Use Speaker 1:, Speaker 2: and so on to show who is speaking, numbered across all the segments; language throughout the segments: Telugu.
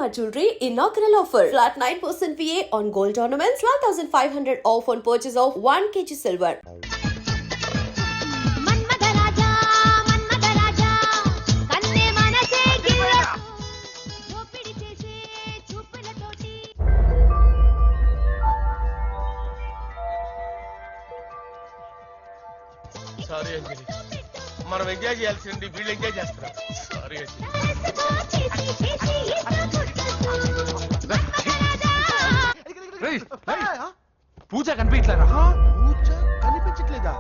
Speaker 1: Shalimar Jewelry inaugural offer. Flat 9% VA on gold ornaments, 12,500 off on purchase of 1 kg silver.
Speaker 2: Sorry Anjali, మనం ఎంజాయ్ చేయాల్సింది వీళ్ళు ఎంజాయ్ చేస్తున్నారు. సారీ
Speaker 3: పూజ కనిపించలేరా?
Speaker 4: పూజ కనిపించట్లేదా?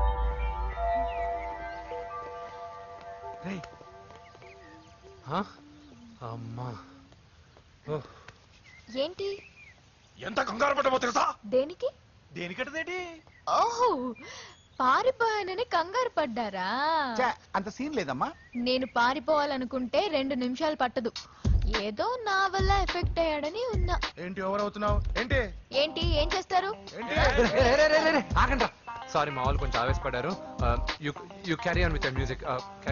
Speaker 3: అమ్మా
Speaker 5: ఏంటి?
Speaker 2: ఎంత కంగారు పడ్డమో తెలుసా?
Speaker 5: దేనికి?
Speaker 2: దేనికంటదేంటి?
Speaker 5: ఓహో, పారిపోయానని కంగారు పడ్డారా?
Speaker 4: అంత సీన్ లేదమ్మా.
Speaker 5: నేను పారిపోవాలనుకుంటే 2 నిమిషాలు పట్టదు. ఏదో నా వల్ల ఎఫెక్ట్ అయ్యాడని ఉన్నా.
Speaker 2: ఏంటి ఓవర్ అవుతున్నావు? ఏంటి
Speaker 5: ఏంటి ఏం చేస్తారు?
Speaker 3: ఆగండి. సారీ, మా వాళ్ళు కొంచెం ఆవేశపడ్డారు. You carry on with music.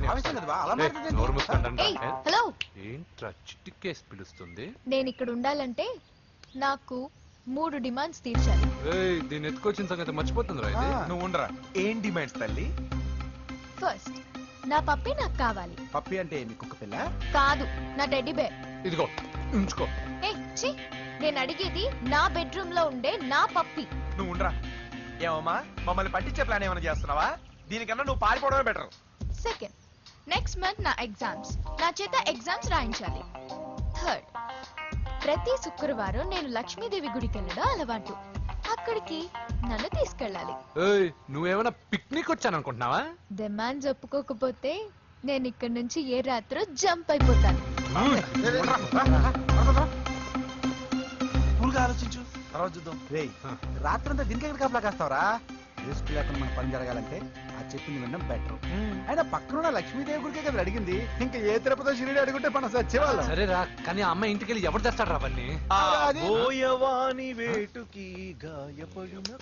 Speaker 5: Hello,
Speaker 3: ఏంట్రా చిటికేసి పిలుస్తుంది?
Speaker 5: నేను ఇక్కడ ఉండాలంటే నాకు 3 డిమాండ్స్ తీర్చాలి.
Speaker 3: దీన్ని ఎత్తుకొచ్చిన సంగతి మర్చిపోతుంది రా.
Speaker 2: నువ్వు ఉండరా. ఏం డిమాండ్స్ తల్లి?
Speaker 5: ఫస్ట్, నా పప్పి నాకు కావాలి.
Speaker 4: పప్పి అంటే మీ కుక్క పిల్ల?
Speaker 5: కాదు, నా టెడ్డీ బేర్.
Speaker 3: ఇదిగో ఉంచుకో.
Speaker 5: నేను అడిగేది నా బెడ్రూమ్ లో ఉండే నా పప్పి.
Speaker 2: నువ్వు ఉండరా. ఏమమ్మా, మమ్మల్ని పట్టించే ప్లాన్ ఏమైనా చేస్తున్నావా? దీనికన్నా నువ్వు పారిపోవడమే బెటర్.
Speaker 5: సెకండ్, నెక్స్ట్ మంత్ నా ఎగ్జామ్స్, నా చేత ఎగ్జామ్స్ రాయించాలి. థర్డ్, ప్రతి శుక్రవారం నేను లక్ష్మీదేవి గుడికి వెళ్ళడం అలవాటు. అక్కడికి నన్ను తీసుకెళ్ళాలి.
Speaker 3: నువ్వేమైనా పిక్నిక్ వచ్చాను అనుకుంటున్నావా?
Speaker 5: డిమాండ్స్ ఒప్పుకోకపోతే నేను ఇక్కడ నుంచి ఏ రాత్రో జంప్ అయిపోతాను.
Speaker 2: ఆలోచించు, తర్వాత చూద్దాం.
Speaker 4: రాత్రంతా దీనికి ఎక్కడ కాపలా కాస్తావరా? రిస్క్ లేకుండా మన పని జరగాలంటే ఆ చెప్పింది వినడం బెటర్. అయినా పక్కన లక్ష్మీదేవి గుడికే కదా అడిగింది. ఇంకా ఏ తిరుపతి షిరిడి అడుగుంటే మనం సచ్చేవాళ్ళం.
Speaker 3: సరేరా, కానీ ఆ అమ్మాయి ఇంటికి వెళ్ళి ఎవరు తెస్తాడు రా అవన్నీ?
Speaker 2: వేటుకి గాయపడిన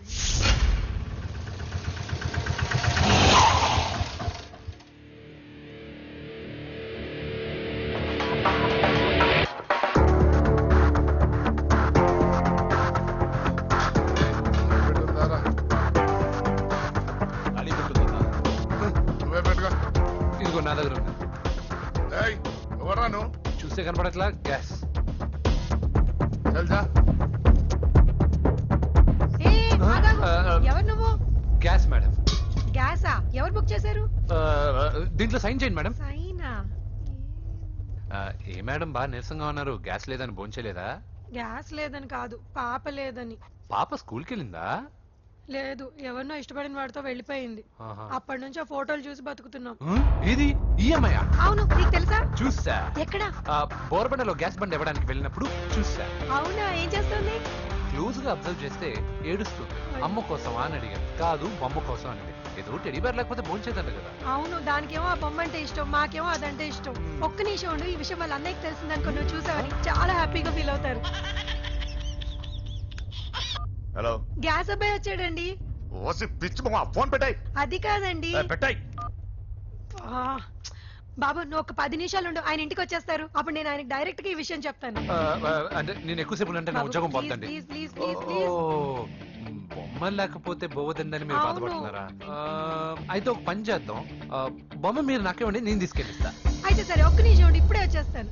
Speaker 3: ఇదిగో నా దగ్గర ఉంది.
Speaker 2: ఎవరాను?
Speaker 3: చూస్తే కనపడట్లా? గ్యాస్.
Speaker 6: ఎవరు నువ్వు?
Speaker 3: Gas madam.
Speaker 6: గ్యాసా? ఎవరు బుక్ చేశారు?
Speaker 3: దీంట్లో సైన్ చేయండి మేడం.
Speaker 6: సైనా?
Speaker 3: ఏ మేడం బాగా నీరసంగా ఉన్నారు? గ్యాస్ లేదని భోంచలేదా?
Speaker 6: గ్యాస్ లేదని కాదు, పాప లేదని.
Speaker 3: పాప స్కూల్కి వెళ్ళిందా?
Speaker 6: లేదు, ఎవరినో ఇష్టపడిన వాడితో వెళ్ళిపోయింది. అప్పటి నుంచి ఆ ఫోటోలు చూసి బతుకుతున్నాం.
Speaker 3: ఇది ఈఎంఐ?
Speaker 6: అవును, నీకు తెలుసా?
Speaker 3: చూసా.
Speaker 6: ఎక్కడ?
Speaker 3: బోర్బండలో గ్యాస్ బండ్ ఇవ్వడానికి వెళ్ళినప్పుడు చూసా.
Speaker 6: అవునా? ఏం చేస్తుంది?
Speaker 3: క్లోజ్ గా అబ్జర్వ్ చేస్తే ఏడుస్తుంది. అమ్మ కోసమా అని అడిగాను. కాదు, బొమ్మ కోసం అని. ఏదో టెడీ బేర్ లేకపోతే భోంచేదంట కదా.
Speaker 6: అవును, దానికేమో ఆ బొమ్మ అంటే ఇష్టం, మాకేమో అదంటే ఇష్టం. ఒక్క నిమిషం ఉండు, ఈ విషయం వాళ్ళ అన్నయ్యకి తెలిసిందనుకో, నువ్వు చూసావని చాలా హ్యాపీగా ఫీల్ అవుతారు.
Speaker 2: హలో,
Speaker 6: గ్యాస్ అబ్బాయి వచ్చాడండి.
Speaker 2: ఫోన్ పెట్టాయి.
Speaker 6: అది కాదండి.
Speaker 2: పెట్టాయి.
Speaker 6: బాబు, నువ్వు ఒక 10 నిమిషాలు ఉండు, ఆయన ఇంటికి వచ్చేస్తారు. అప్పుడు నేను ఆయనకి డైరెక్ట్ గా ఈ విషయం చెప్తాను.
Speaker 3: అంటే నేను ఎక్కువసేపు అంటే నా ఉద్యోగం పోతుంది. బొమ్మ లేకపోతే బోవదందని మీరు బాధపడుతున్నారా? అయితే ఒక పని చేద్దాం, బొమ్మ మీరు నాకేమండి, నేను తీసుకెళ్ళిస్తా.
Speaker 6: అయితే సరే, ఒక్క నిమిషం ఉండి ఇప్పుడే వచ్చేస్తాను.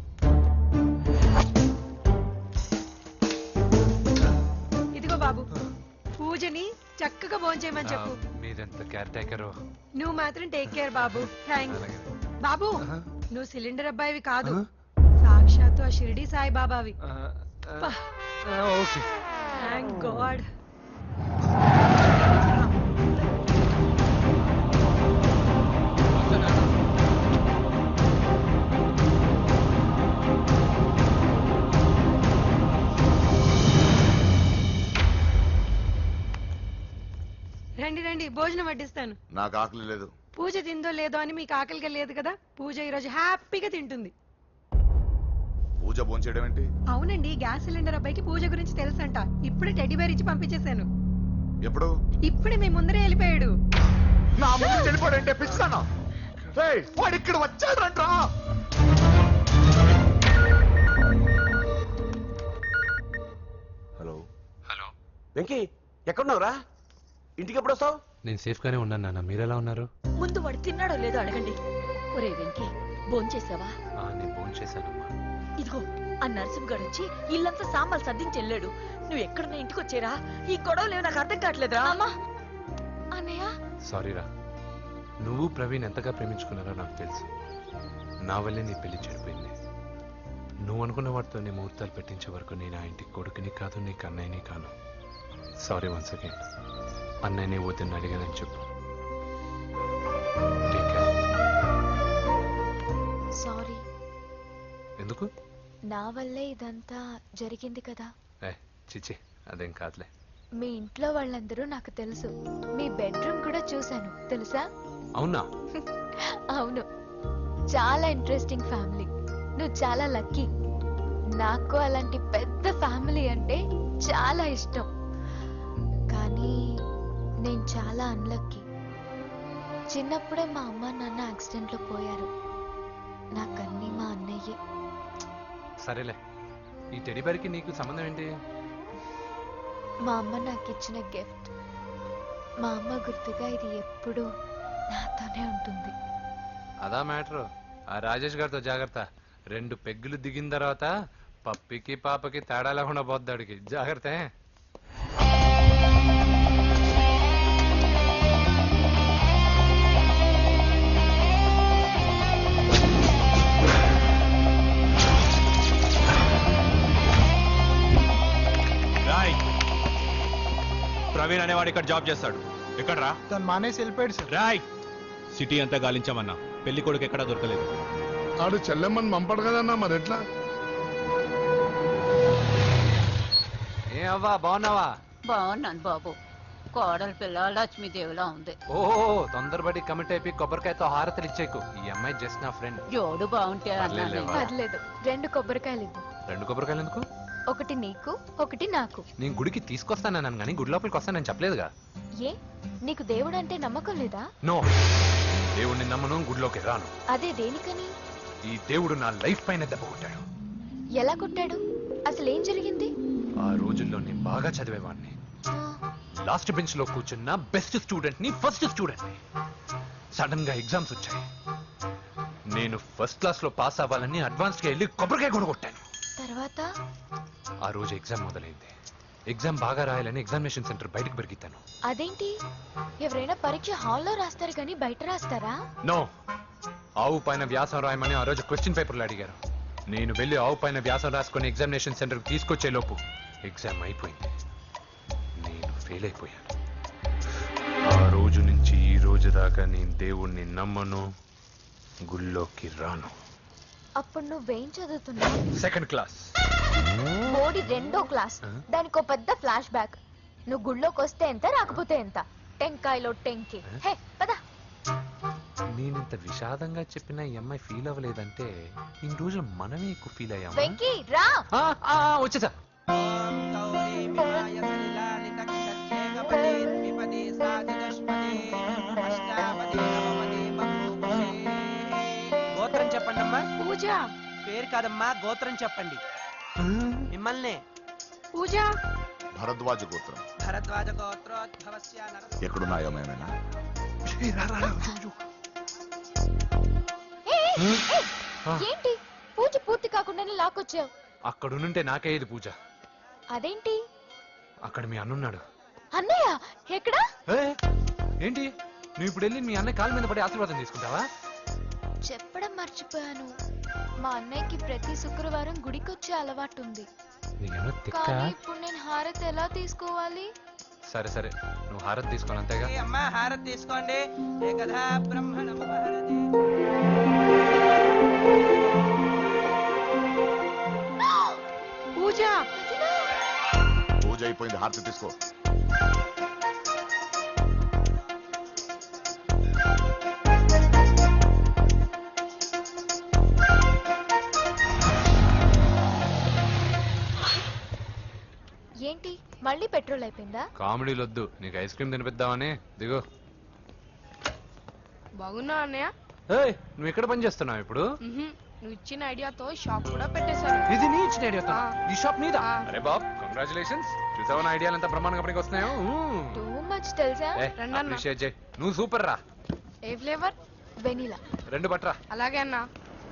Speaker 6: ఇదిగో బాబు, పూజని చక్కగా భోంచేయమని చెప్పు.
Speaker 3: మీరెంత కేర్ టేకర్.
Speaker 6: నువ్వు మాత్రం టేక్ కేర్ బాబు. థ్యాంక్స్ బాబు. నువ్వు సిలిండర్ అబ్బాయివి కాదు, సాక్షాత్తు ఆ షిరిడి సాయి బాబావి.
Speaker 3: Okay,
Speaker 6: thank god. రండి రండి, భోజనం వడ్డిస్తాను.
Speaker 2: నాకు ఆకలి లేదు.
Speaker 6: పూజ తిందో లేదో అని మీకు ఆకలిగా లేదు కదా. పూజ ఈరోజు హ్యాపీగా తింటుంది.
Speaker 2: పూజ భోంచేయడం ఏంటి?
Speaker 6: అవునండి, గ్యాస్ సిలిండర్ అబ్బాయికి పూజ గురించి తెలుసంట. ఇప్పుడే టెడ్డీ బేర్ ఇచ్చి పంపించేశాను.
Speaker 2: ఎప్పుడు?
Speaker 6: ఇప్పుడే మీ ముందరే వెళ్ళిపోయాడు.
Speaker 2: నా ముందు వెళ్ళిపోయాడంటే పిచ్చానా? వాడు ఇక్కడ వచ్చాడంట్రా.
Speaker 7: వెంకీ ఎక్కడున్నావురా? ఇంటికి ఎప్పుడు వస్తావు?
Speaker 3: నేను సేఫ్ గానే ఉన్నాను నాన్న, మీరెలా ఉన్నారు?
Speaker 8: ముందు వాడు తిన్నాడో లేదో అడగండి. ఒరే వెంకీ, భోంచేసావా?
Speaker 3: నేను ఫోన్ చేశానమ్మా.
Speaker 8: ఇదిగో ఆ నరసింహగాడు వచ్చి ఇల్లంతా సామాన్లు సర్దించి వెళ్ళాడు. నువ్వు ఎక్కడున్నా ఇంటికి వచ్చేరా? ఈ గొడవలేవు నాకు అర్థం కావట్లేదురా.
Speaker 5: అన్నయ్య
Speaker 3: సారీరా, నువ్వు ప్రవీణ్ ఎంతగా ప్రేమించుకున్నారో నాకు తెలుసు. నా వల్లే నీ పెళ్లి చెడిపోయింది. నువ్వు అనుకున్న వాటితో నీ ముహూర్తాలు పెట్టించే వరకు నేను ఆ ఇంటికి కొడుకుని కాదు, నీకు అన్నయ్యని కాను. Sorry once again. అన్నయ్యని వద్దని అడిగానని చెప్పు. Take care.
Speaker 5: సారీ,
Speaker 3: ఎందుకు?
Speaker 5: నా వల్లే ఇదంతా జరిగింది కదా.
Speaker 3: చిచి, అదేం కాదులే.
Speaker 5: మీ ఇంట్లో వాళ్ళందరూ నాకు తెలుసు. మీ బెడ్రూమ్ కూడా చూశాను, తెలుసా?
Speaker 3: అవునా?
Speaker 5: అవును, చాలా ఇంట్రెస్టింగ్ ఫ్యామిలీ. నువ్వు చాలా లక్కీ. నాకు అలాంటి పెద్ద ఫ్యామిలీ అంటే చాలా ఇష్టం. కానీ నేను చాలా అన్లక్కీ. చిన్నప్పుడే మా అమ్మ నాన్న యాక్సిడెంట్లో పోయారు. నాకన్నీ మా అన్నయ్యే.
Speaker 3: సరేలే, ఈ టెడీబేర్కి నీకు సంబంధం ఏంటి?
Speaker 5: మా అమ్మ నాకు ఇచ్చిన గిఫ్ట్. మా అమ్మ గుర్తుగా ఇది ఎప్పుడూ నాతోనే ఉంటుంది.
Speaker 3: అదా మ్యాటర్. ఆ రాజేష్ గారితో జాగ్రత్త. 2 పెగ్గులు దిగిన తర్వాత పప్పికి పాపకి తేడా లేకుండా పోద్దాడికి. జాగ్రత్త.
Speaker 2: రాయ్, ప్రవీణ్ అనేవాడు ఇక్కడ జాబ్ చేస్తాడు. ఎక్కడ్రా?
Speaker 4: తను మానేసి వెళ్ళిపోయాడు సార్.
Speaker 2: రాయ్, సిటీ అంతా గాలించామన్నా, పెళ్లి కొడుకు ఎక్కడా దొరకలేదు.
Speaker 9: ఆడు చెల్లెమ్మని పంపడు కదన్నా, మరి ఎట్లా?
Speaker 3: ఏ అవ్వా, బాగున్నావా?
Speaker 8: బాగున్నాను బాబు. కోడలి పిల్ల లక్ష్మీదేవిలా ఉంది.
Speaker 3: ఓ తొందరపడి కమిట్ అయిపోయి కొబ్బరికాయతో హారతలు ఇచ్చేకు. ఈ అమ్మాయి జస్ట్ నా ఫ్రెండ్.
Speaker 8: జోడు బాగుంటే
Speaker 3: పర్లేదులే, వా.
Speaker 5: పర్లేదు, 2 కొబ్బరికాయలు ఇవ్వు.
Speaker 3: 2 కొబ్బరికాయలు ఎందుకు?
Speaker 5: ఒకటి నీకు, ఒకటి నాకు.
Speaker 3: నేను గుడికి తీసుకొస్తానన్నాను కానీ గుడి లోపలికి వస్తానని చెప్పలేదుగా.
Speaker 5: ఏ, నీకు దేవుడు అంటే నమ్మకం లేదా?
Speaker 3: నో, దేవుడిని నమ్మను, గుడిలోకి రాను.
Speaker 5: అదే దేనికని?
Speaker 3: ఈ దేవుడు నా లైఫ్ పైన దెబ్బ కొట్టాడు.
Speaker 5: ఎలా కొట్టాడు? అసలు ఏం జరిగింది?
Speaker 3: ఆ రోజుల్లో నేను బాగా చదివేవాడిని.
Speaker 5: ఆ,
Speaker 3: లాస్ట్ బెంచ్ లో కూర్చున్న బెస్ట్ స్టూడెంట్ ని, ఫస్ట్ స్టూడెంట్ ని. సడన్ గా ఎగ్జామ్స్ వచ్చాయి. నేను ఫస్ట్ క్లాస్ లో పాస్ అవ్వాలని అడ్వాన్స్ గా వెళ్ళి కొబ్బరికాయ కూడా కొట్టాను.
Speaker 5: తర్వాత?
Speaker 3: ఆ రోజు ఎగ్జామ్ మొదలైంది. ఎగ్జామ్ బాగా రాయాలని ఎగ్జామినేషన్ సెంటర్ బయటకు పెరిగితాను.
Speaker 5: అదేంటి, ఎవరైనా పరీక్ష హాల్లో రాస్తారు కానీ బయట రాస్తారా?
Speaker 3: నో, ఆవు పైన వ్యాసం రాయమని ఆ రోజు క్వశ్చన్ పేపర్లు అడిగారు. నేను వెళ్ళి ఆవు పైన వ్యాసం రాసుకొని ఎగ్జామినేషన్ సెంటర్కి తీసుకొచ్చే లోపు ఎగ్జామ్ అయిపోయింది. నేను ఫెయిల్ అయిపోయాను. ఆ రోజు నుంచి ఈ రోజు దాకా నేను దేవుణ్ణి నమ్మను, గుళ్ళోకి రాను.
Speaker 5: అప్పుడు నువ్వేం చదువుతున్నావు?
Speaker 3: 2nd class.
Speaker 5: మోడీ 2వ క్లాస్. దానికో పెద్ద ఫ్లాష్ బ్యాక్. నువ్వు గుళ్ళోకి వస్తే ఎంత, రాకపోతే ఎంత. టెంకాయలో టెంకి. హే పద.
Speaker 3: నేనింత విషాదంగా చెప్పిన ఈ అమ్మాయి ఫీల్ అవ్వలేదంటే ఇన్ని రోజులు మనమే ఎక్కువ ఫీల్ అయ్యాము.
Speaker 5: వెంకీ రా.
Speaker 3: వచ్చేసా.
Speaker 10: గోత్రం చెప్పండి అమ్మా.
Speaker 6: పూజ.
Speaker 10: పేరు కాదమ్మా, గోత్రం చెప్పండి. మిమ్మల్ని.
Speaker 6: పూజ.
Speaker 9: భరద్వాజ గోత్రం.
Speaker 10: భరద్వాజ గోత్రోద్భవస్య నరసింహ.
Speaker 9: ఎక్కడున్నాయో మేమైనా?
Speaker 5: ఏంటి పూజ పూర్తి కాకుండానే లాక్కొచ్చావు?
Speaker 3: అక్కడుంటే నాకే ఇది పూజ.
Speaker 5: అదేంటి?
Speaker 3: అక్కడ మీ అన్నున్నాడు.
Speaker 5: అన్నయ్య ఎక్కడా?
Speaker 3: ఏంటి నువ్వు ఇప్పుడు వెళ్ళి మీ అన్నయ్య కాళ్ళ మీద పడి ఆశీర్వాదం తీసుకుంటావా?
Speaker 5: చెప్పడం మర్చిపోయాను. మా అన్నయ్యకి ప్రతి శుక్రవారం గుడికొచ్చే అలవాటు ఉంది.
Speaker 3: నీకేమో తిక్క?
Speaker 5: కానీ ఇప్పుడు నేను హారతి ఎలా తీసుకోవాలి?
Speaker 3: సరే సరే, నువ్వు హారతి తీసుకోను అంతేగా.
Speaker 10: ఏ అమ్మా, హారతి తీసుకోండి. ఏకదా బ్రహ్మణముపహరతి.
Speaker 6: పూజ.
Speaker 9: పూజ అయిపోయింది, హారతి తీసుకో.
Speaker 5: ఏంటి మళ్ళీ పెట్రోల్ అయిపోయిందా?
Speaker 3: కామెడీలు వద్దు, నీకు ఐస్ క్రీమ్ తినిపిద్దామని. దిగు.
Speaker 6: బాగున్నా అన్నయ్య?
Speaker 3: నువ్వు ఎక్కడ పని చేస్తున్నావు ఇప్పుడు?
Speaker 6: నువ్వు ఇచ్చిన ఐడియాతో షాప్ కూడా పెట్టేశాను.
Speaker 3: ఇది నీ ఇచ్చిన ఐడియా. ఈ షాప్ మీద?
Speaker 6: ఆ.
Speaker 3: అరే బాబ్, కంగ్రాచులేషన్స్. చూసావా నా ఐడియాలు ఎంత బ్రహ్మాండంగా పనికి వస్తున్నాయో
Speaker 5: టూ మచ్ తెలుసా?
Speaker 3: అప్రిషియేట్ చేయి. నువ్వు సూపర్ రా.
Speaker 6: ఏ ఫ్లేవర్?
Speaker 5: వెనీలా.
Speaker 3: 2 పట్రా.
Speaker 6: అలాగే అన్నా.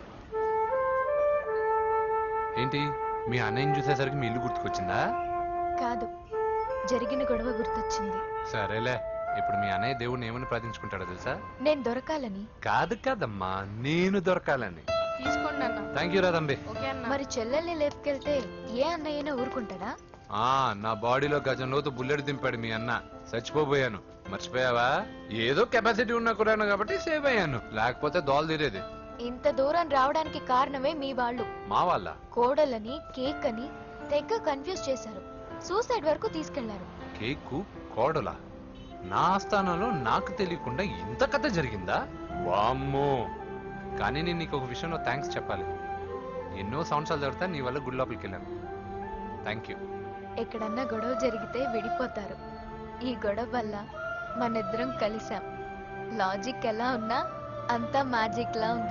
Speaker 3: ఏంటి మీ అన్నయ్యని చూసేసరికి మీ ఇల్లు గుర్తుకొచ్చిందా?
Speaker 5: కాదు, జరిగిన గొడవ గుర్తొచ్చింది.
Speaker 3: సరేలే, ఇప్పుడు మీ అన్నయ్య దేవుడిని ఏమని ప్రార్థించుకుంటాడో తెలుసా?
Speaker 5: నేను దొరకాలని.
Speaker 3: కాదు కాదమ్మా, నేను దొరకాలని.
Speaker 6: తీసుకోండి అన్న.
Speaker 3: థ్యాంక్ యూ రా తంబి.
Speaker 6: ఓకే అన్న.
Speaker 5: మరి చెల్లెల్ని లేపుకెళ్తే ఏ అన్నయ్యనా ఊరుకుంటాడా?
Speaker 3: నా బాడీలో గజంలోతో బుల్లెట్ దింపాడు మీ అన్న. చచ్చిపోబోయాను. మర్చిపోయావా? ఏదో కెపాసిటీ ఉన్నా కూడా కాబట్టి సేవ్ అయ్యాను, లేకపోతే దోలు తీరేది.
Speaker 5: ఇంత దూరం రావడానికి కారణమే మీ వాళ్ళు.
Speaker 3: మా వాళ్ళ
Speaker 5: కోడలని కేక్ అని తెగ కన్ఫ్యూజ్ చేశారు. సూసైడ్ వరకు తీసుకెళ్లారు.
Speaker 3: కేకు కోడలా? నా ఆస్థానంలో నాకు తెలియకుండా ఇంత కథ జరిగిందా? వామ్మో. కానీ నేను నీకు ఒక విషయంలో థ్యాంక్స్ చెప్పాలి. ఎన్నో సంవత్సరాలు జరుగుతా నీ వల్ల గుడి లోపలికి వెళ్ళాను. Thank you.
Speaker 5: ఎక్కడన్నా గొడవ జరిగితే విడిపోతారు. ఈ గొడవ వల్ల మనిద్దరం కలిసాం. లాజిక్ ఎలా ఉన్నా అంతా మ్యాజిక్ లా ఉంది.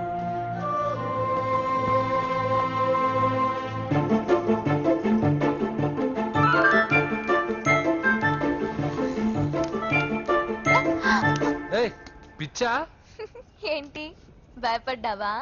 Speaker 3: ఏయ్, పిచ్చా?
Speaker 5: ఏంటి భయపడ్డావా?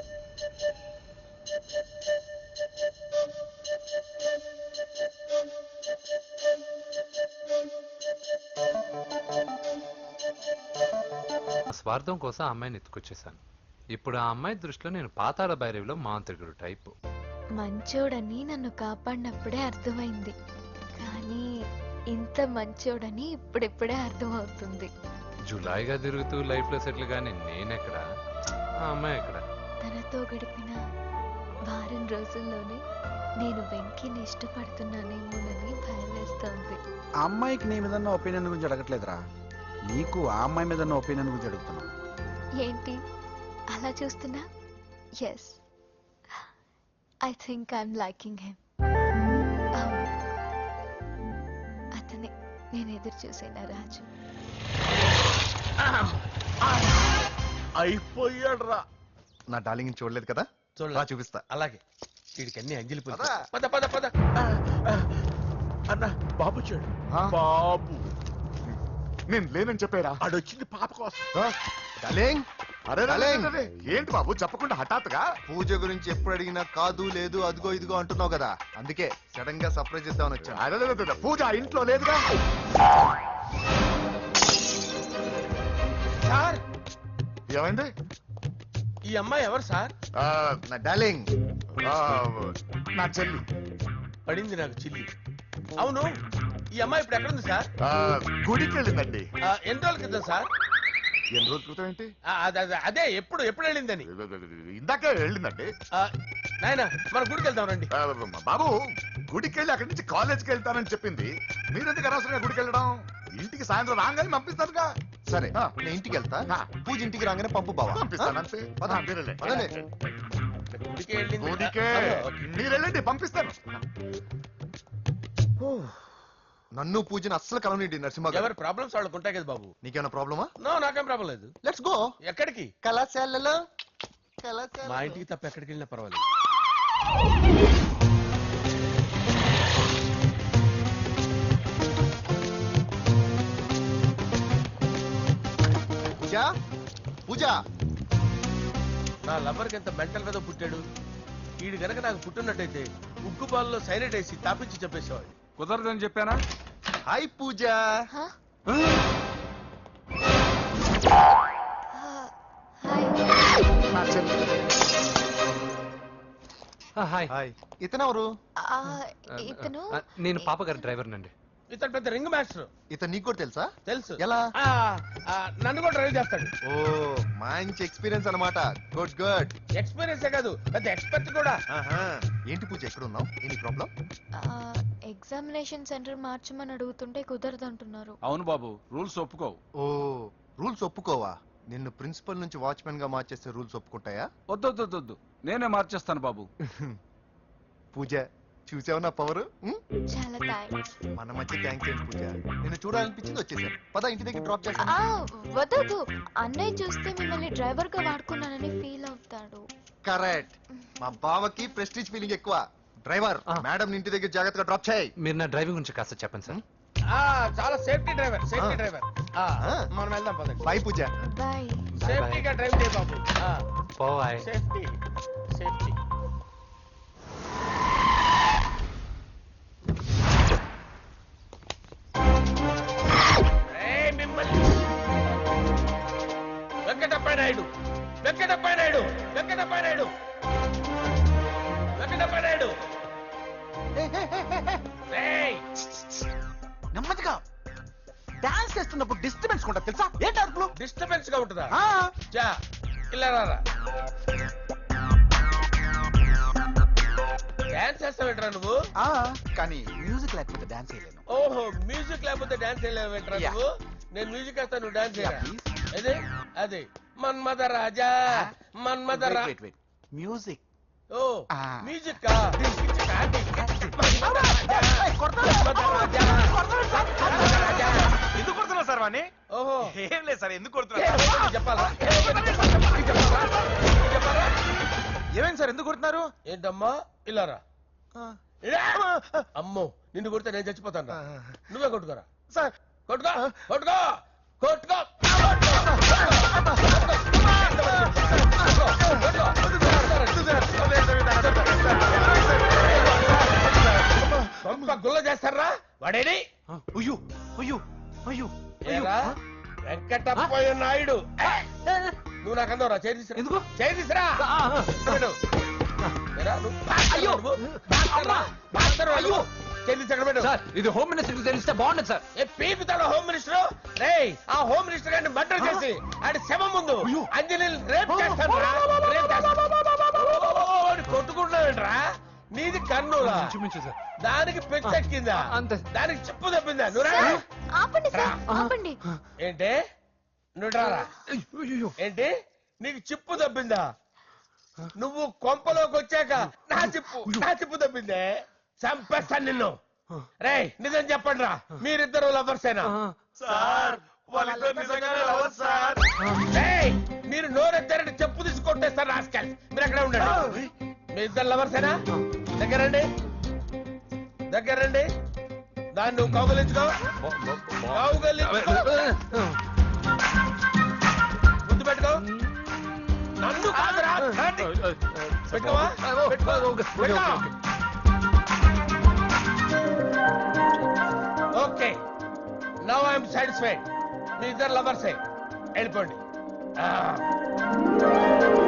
Speaker 3: స్వార్థం కోసం ఆ అమ్మాయిని ఎత్తుకొచ్చేసాను. ఇప్పుడు ఆ అమ్మాయి దృష్టిలో నేను పాతాళ భైరవిలో మాంత్రికుడు టైపు.
Speaker 5: మంచోడని నన్ను కాపాడినప్పుడే అర్థమైంది, కానీ ఇంత మంచోడని ఇప్పుడిప్పుడే అర్థమవుతుంది.
Speaker 3: జులాయిగా తిరుగుతూ లైఫ్ లో సెటిల్ గానీ నేనెక్కడ, ఆ అమ్మాయి ఎక్కడ?
Speaker 5: తనతో గడిపిన వారం రోజుల్లోనే నేను వెంకీని ఇష్టపడుతున్నానేమోనని భయం వేస్తోంది.
Speaker 4: ఆ అమ్మాయికి నీ మీద ఒపీనియన్ గురించి అడగట్లేదురా, నీకు ఆ అమ్మాయి మీద ఒపీనియన్ గురించి అడుగుతున్నా.
Speaker 5: ఏంటి అలా చూస్తున్నా? Yes, I think I'm liking him. అతనే నేను ఎదురు చూసేనా రాజు.
Speaker 9: అయిపోయాడు రా. నా డార్లింగ్ చూడలేదు కదా,
Speaker 7: చూడలేదు.
Speaker 9: చూపిస్తా.
Speaker 7: అలాగే వీడికి అన్ని అంజలి పూలు.
Speaker 9: పద.
Speaker 7: పద పద పద. అన్న బాబు చూడు.
Speaker 9: ఆ?
Speaker 7: బాబు
Speaker 9: నేను లేనని చెప్పారా?
Speaker 7: ఆడొచ్చింది పాప కోసం.
Speaker 9: డార్లింగ్, అరే
Speaker 11: డార్లింగ్.
Speaker 9: ఏంటి బాబు చెప్పకుండా హఠాత్తుగా?
Speaker 11: పూజ గురించి ఎప్పుడు అడిగినా కాదు లేదు అదిగో ఇదిగో అంటున్నావు కదా, అందుకే సడన్ గా సర్ప్రైజ్ ఇద్దామని వచ్చాను.
Speaker 9: అరే పూజ ఆ ఇంట్లో లేదుగా.
Speaker 7: సార్,
Speaker 9: ఏమైంది?
Speaker 7: ఈ అమ్మాయి ఎవరు సార్?
Speaker 11: నా డార్లింగ్,
Speaker 9: నా చెల్లి.
Speaker 7: పడింది నాకు చిల్లి. అవును, ఈ అమ్మాయి ఇప్పుడు ఎక్కడుంది సార్?
Speaker 9: గుడికి వెళ్ళిందండి.
Speaker 7: ఎన్ని రోజుల క్రితం సార్?
Speaker 9: ఎన్ని రోజుల క్రితం ఏంటి?
Speaker 7: అదే ఎప్పుడు ఎప్పుడు వెళ్ళిందని.
Speaker 9: ఇందాకే వెళ్ళిందండి.
Speaker 7: నాయన మన గుడికి వెళ్దాం రండి.
Speaker 9: బాబు, గుడికి వెళ్ళి అక్కడి నుంచి కాలేజ్కి వెళ్తానని చెప్పింది. మీరెందుకు అనవసరంగా గుడికి వెళ్ళడం? ఇంటికి సాయంత్రం రాగానే పంపిస్తానుగా.
Speaker 11: సరే నేను ఇంటికి వెళ్తా, పూజ ఇంటికి రాగానే పంపు బావా.
Speaker 9: పంపిస్తాను అంతే.
Speaker 11: పదండి.
Speaker 7: గుడికి వెళ్ళింది.
Speaker 9: గుడికే మీరు వెళ్ళండి, పంపిస్తాను.
Speaker 11: నన్ను పూజను అస్సలు కలవనిండి నరసింహ గారు.
Speaker 7: ఎవరి ప్రాబ్లమ్స్ వాళ్ళకు ఉంటాయి కదా బాబు.
Speaker 11: నీకేమైనా ప్రాబ్లమా?
Speaker 7: నో, నాకేం ప్రాబ్లం లేదు.
Speaker 11: Let's go.
Speaker 7: ఎక్కడికి?
Speaker 11: కళాశాలలో.
Speaker 7: మా ఇంటికి తప్ప ఎక్కడికి వెళ్ళినా పర్వాలేదు.
Speaker 11: పూజ, పూజ.
Speaker 7: నా లవర్కి ఎంత మెంటల్ మీద పుట్టాడు. వీడు గనక నాకు పుట్టినట్టయితే ఉగ్గు పాలలో సైలెంట్ వేసి తాపించి చెప్పేసేవాడు.
Speaker 4: కుదరదని చెప్పానా?
Speaker 11: హాయ్ పూజ.
Speaker 9: నా చెల్లి.
Speaker 3: హాయ్.
Speaker 11: హాయ్. ఇతనెవరు?
Speaker 5: ఇతను
Speaker 3: నేను పాప గారి డ్రైవర్ నండి.
Speaker 7: ఇతను పెద్ద రింగ్ మాస్టర్.
Speaker 11: ఇతను నీకు కూడా తెలుసా?
Speaker 7: తెలుసు.
Speaker 11: ఎలా?
Speaker 7: నన్ను కూడా డ్రైవ్ చేస్తాడు.
Speaker 11: ఓ మంచి ఎక్స్పీరియన్స్ అన్నమాట. Good good.
Speaker 7: ఎక్స్పీరియన్సే కాదు, పెద్ద ఎక్స్పర్ట్ కూడా.
Speaker 11: ఏంటి పూజ ఎక్కడ ఉన్నావు? Any problem?
Speaker 5: ఎగ్జామినేషన్ సెంటర్ మార్చమని అడుగుతుంటే కుదరదంటున్నారు.
Speaker 4: అవును బాబు, రూల్స్ ఒప్పుకోవు.
Speaker 11: ఓ రూల్స్ ఒప్పుకోవా? నిన్ను ప్రిన్సిపల్ నుంచి వాచ్మెన్ గా మార్చేస్తే రూల్స్ ఒప్పుకుంటాయా?
Speaker 4: వద్దు, నేనే మార్చేస్తాను బాబు.
Speaker 11: పూజ చూసావు నా పవర్?
Speaker 5: చాలా థ్యాంక్స్.
Speaker 11: మన మధ్య థ్యాంక్స్ ఏంటి పూజ, నిన్ను చూడాలనిపించింది వచ్చేసాను. పద ఇంటి దగ్గర డ్రాప్ చేస్తాను.
Speaker 5: వద్దు, అన్నయ్య చూస్తే మిమ్మల్ని డ్రైవర్ గా వాడుకున్నానని ఫీల్ అవుతాడు.
Speaker 11: కరెక్ట్. మా బావకి ప్రెస్టీజ్ ఫీలింగ్ ఎక్కువ. డ్రైవర్ మేడం ఇంటి దగ్గర జాగ్రత్తగా డ్రాప్ చేయి.
Speaker 3: మీరు నా డ్రైవింగ్ గురించి కాస్త చెప్పండి సార్.
Speaker 7: చాలా సేఫ్టీ డ్రైవర్ మనం వెళ్దాం పదండి.
Speaker 11: బై పూజ.
Speaker 5: బాయ్.
Speaker 7: సేఫ్టీగా డ్రైవ్ చేయ బాబు.
Speaker 3: పోవాయ్.
Speaker 7: Safety safety. వెంకటప్ప నాయుడు వెంకటప్ప నాయుడు వెంకటప్ప నాయుడు వెంకటప్ప నాయుడు.
Speaker 4: నెమ్మదిగా డాన్స్ చేస్తున్నప్పుడు డిస్టర్బెన్స్ కూడా తెలుసా? ఏంటి అరుపులు?
Speaker 7: డిస్టర్బెన్స్ గా ఉంటుందా?
Speaker 4: ఆ,
Speaker 7: చా ఇలా రారా. డాన్స్ చేస్తావేంట్రా నువ్వు?
Speaker 4: ఆ, కానీ మ్యూజిక్ లేకపోతే డాన్స్ చేయలేను.
Speaker 7: ఓహో, మ్యూజిక్ లేకపోతే డాన్స్ చేయలేవేంట్రా
Speaker 4: Yeah.
Speaker 7: నువ్వు? నేను మ్యూజిక్ వేస్తా, నువ్వు డాన్స్ చేయరా?
Speaker 4: Yeah, please.
Speaker 7: అదే అదే మన్మద రాజా మన్మద రా.
Speaker 4: మ్యూజిక్.
Speaker 7: ఓ
Speaker 4: Ah.
Speaker 7: మ్యూజిక్ కా మన్మద రాజా, మన్మద రాజా, మన్మద రాజా.
Speaker 2: ఎందుకు కొడుతున్నావు సార్ వాణ్ణి?
Speaker 7: ఓహో
Speaker 2: ఏం లేదు సార్, ఎందుకు కొడుతున్నా?
Speaker 7: చెప్పాలా? చెప్పాలా?
Speaker 2: ఏమైంది సార్, ఎందుకు కొడుతున్నారు?
Speaker 7: ఏంటమ్మా ఇలారా. అమ్మో, నిన్ను కొడితే నేను చచ్చిపోతాను. నువ్వే కొట్టుకోరా
Speaker 2: సార్
Speaker 7: కొట్టుకో కొట్టుకో కొట్టుకో. గుల్ల చేస్తారా వాడేని?
Speaker 4: అయ్యో అయ్యో అయ్యో
Speaker 7: ఏరా వెంకటప్పయ్య నాయుడు, నువ్వు నాకు అందవురా చేయి తీసురా.
Speaker 4: ఎందుకు?
Speaker 7: చేయి తీసురా.
Speaker 3: సార్ ఇది హోమ్ మినిస్టర్ తెలిస్తే బాగుండదు సార్.
Speaker 7: పీపుతాడు హోమ్ మినిస్టర్. రే ఆ హోమ్ మినిస్టర్ గారిని మర్డర్ చేసి ఆడి శవం ముందు అంజలిని రేప్ చేస్తాను. కొట్టుకుంటావేంట్రా? నీది కన్నులా?
Speaker 3: సార్
Speaker 7: దానికి పెచ్చెక్కిందా?
Speaker 3: అంతే.
Speaker 7: దానికి చిప్పు తప్పిందా? నువ్వు
Speaker 5: ఆపండి సార్, ఆపండి.
Speaker 7: ఏంటి? నువ్వు రారా. ఏంటి నీకు చిప్పు తప్పిందా? నువ్వు కొంపలోకి వచ్చాక నా చిప్పు తప్పిందే. చంపేస్తాను నిన్ను. రే నిజం చెప్పండి రా, మీరిద్దరు లవర్సేనా?
Speaker 2: సార్ వాళ్ళిద్దరు నిజంగానే లవర్స్ సార్.
Speaker 7: రేయ్, మీరు నోరెత్తారంటే చెప్పు తీసి కొట్టేస్తారు రాస్కల్. మీరు అక్కడే ఉండండి. మీ ఇద్దరు లవర్సేనా? దగ్గరండి దగ్గరండి. దాన్ని నువ్వు కౌగలించుకో. ముందు పెట్టుకో. నన్ను కాదురా. పెట్టుకోవా? Okay, now I'm satisfied. మీ ఇద్దరు లవర్సే, వెళ్ళిపోండి.